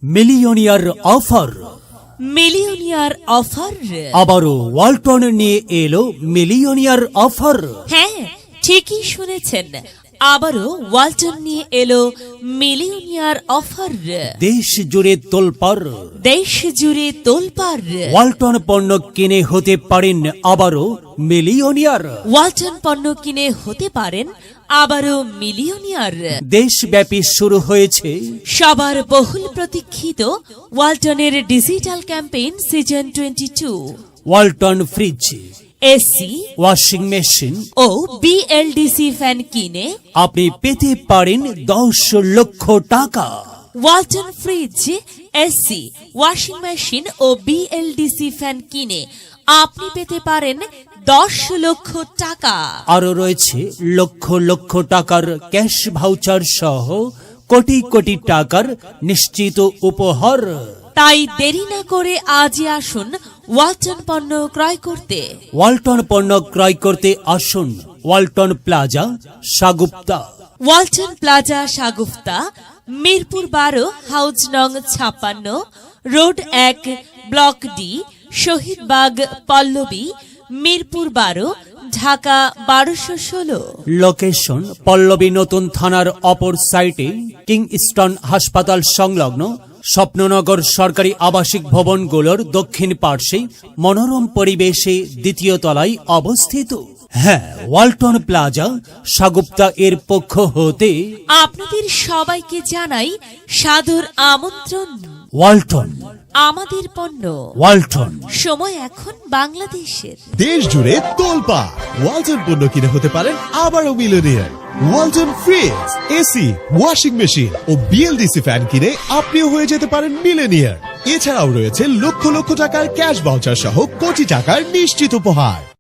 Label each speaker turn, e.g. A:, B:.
A: Millionaire offer.
B: Millionaire offer.
A: আবারও ওয়ালটন নিয়ে এলো মিলিয়নিয়ার অফার।
B: হ্যাঁ, ঠিকই শুনেছেন, আবারও ওয়ালটন নিয়ে এলো মিলিয়নিয়ার অফার।
A: দেশ জুড়ে তোলপাড়।
B: দেশ জুড়ে তোলপাড়।
A: ওয়ালটন পণ্য কিনে হতে পারেন আবারও মিলিয়নিয়ার।
B: ওয়ালটন পণ্য কিনে হতে পারেন আবারও মিলিয়নিয়ার।
A: দেশব্যাপী শুরু হয়েছে
B: সবার বহুল প্রতীক্ষিত ওয়ালটনের digital campaign season 22।
A: Walton fridge,
B: AC,
A: washing machine
B: ও বিএলডিসি ফ্যান কিনে
A: আপনি পেতে পারেন 10 লক্ষ টাকা।
B: Walton fridge, AC, washing machine ও বিএলডিসি ফ্যান কিনে আপনি পেতে পারেন 10 লক্ষ টাকা।
A: আরো রয়েছে লক্ষ লক্ষ টাকার ক্যাশ ভাউচার সহ কোটি কোটি টাকার নিশ্চিত উপহার।
B: তাই দেরি না করে আজই আসুন ওয়ালটন পণ্য ক্রয় করতে।
A: ওয়ালটন পণ্য ক্রয় করতে আসুন Walton plaza, Shagufta.
B: Walton plaza, Shagufta, Mirpur 12, house নং 56, road 1, block D, Shahidbagh, Pallabi, Mirpur 12, Dhaka 1216।
A: Location Pallabi নতুন থানার অপর সাইটে, কিংস্টন হাসপাতাল সংলগ্ন স্বপ্ননগর সরকারি আবাসিক ভবনগুলোর দক্ষিণ পার্শ্বে মনোরম পরিবেশে দ্বিতীয় তলায় অবস্থিত। হ্যাঁ, ওয়ালটন প্লাজা, সাগুপ্তা এর পক্ষ হতে
B: আপনাদের সবাইকে জানাই সাদর আমন্ত্রণ।
A: ওয়ালটন,
B: আমাদের পণ্য।
A: ওয়ালটন।
B: সময় এখন বাংলাদেশের।
C: দেশ জুড়ে তোলপাড়। ওয়ালটন পণ্য কিনে হতে পারেন আবারও millionaire. Walton fridge, AC, washing machine ও বিএলডিসি ফ্যান কিনে আপনিও হয়ে যেতে পারেন মিলিয়নিয়ার। এছাড়াও রয়েছে লক্ষ লক্ষ টাকার ক্যাশ ভাউচার সহ কোটি টাকার নিশ্চিত উপহার।